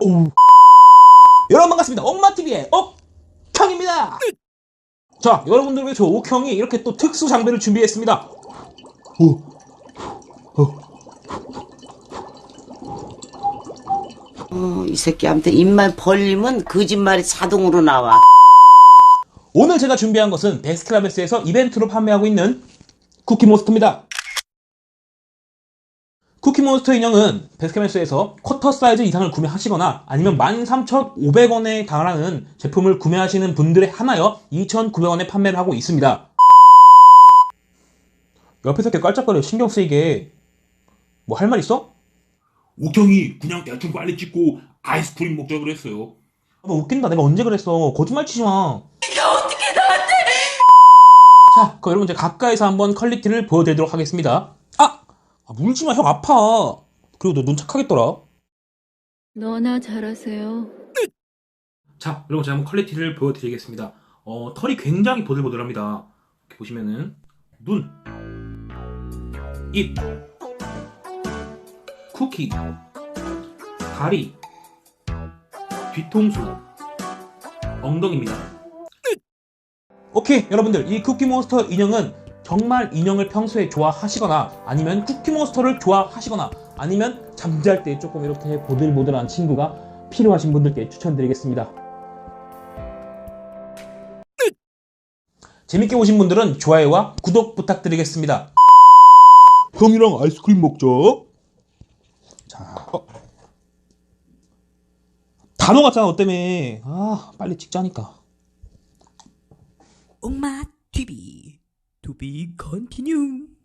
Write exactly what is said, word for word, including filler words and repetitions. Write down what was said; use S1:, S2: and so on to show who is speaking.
S1: 오우. 여러분 반갑습니다. 엄마티비의 옥형입니다. 자, 여러분들 위해 저 옥형이 이렇게 또 특수 장비를 준비했습니다. 오. 어.
S2: 어, 이 새끼한테 입만 벌리면 거짓말이 자동으로 나와.
S1: 오늘 제가 준비한 것은 베스킨라빈스에서 이벤트로 판매하고 있는 쿠키몬스터입니다. 쿠키몬스터 인형은 베스킨라빈스에서 쿼터 사이즈 이상을 구매하시거나 아니면 만 삼천오백 원에 달하는 제품을 구매하시는 분들에 한하여 이천구백 원에 판매를 하고 있습니다. 옆에서 이렇게 깔짝거려 신경 쓰이게. 뭐 할 말 있어?
S3: 옥형이 그냥 대충 빨리 찍고 아이스크림 먹자 그랬어요.
S1: 너 웃긴다. 내가 언제 그랬어. 거짓말 치지 마. 이거 어떻게 나한테. 자, 그럼 여러분 이제 가까이서 한번 퀄리티를 보여드리도록 하겠습니다. 아! 아 물지 마. 형 아파. 그리고 너 눈 착하겠더라.
S4: 너나 잘하세요.
S1: 자, 여러분 제가 한번 퀄리티를 보여드리겠습니다. 어, 털이 굉장히 보들보들합니다. 이렇게 보시면은 눈, 입, 쿠키, 다리, 뒤통수, 엉덩이입니다. 오케이, 여러분들 이 쿠키몬스터 인형은 정말 인형을 평소에 좋아하시거나 아니면 쿠키몬스터를 좋아하시거나 아니면 잠잘 때 조금 이렇게 보들보들한 친구가 필요하신 분들께 추천드리겠습니다. 재밌게 보신 분들은 좋아요와 구독 부탁드리겠습니다. 형이랑 아이스크림 먹자. 자, 어. 다 녹았잖아, 너 때문에. 아, 빨리 찍자니까.
S5: 옥마 티비 To be continue.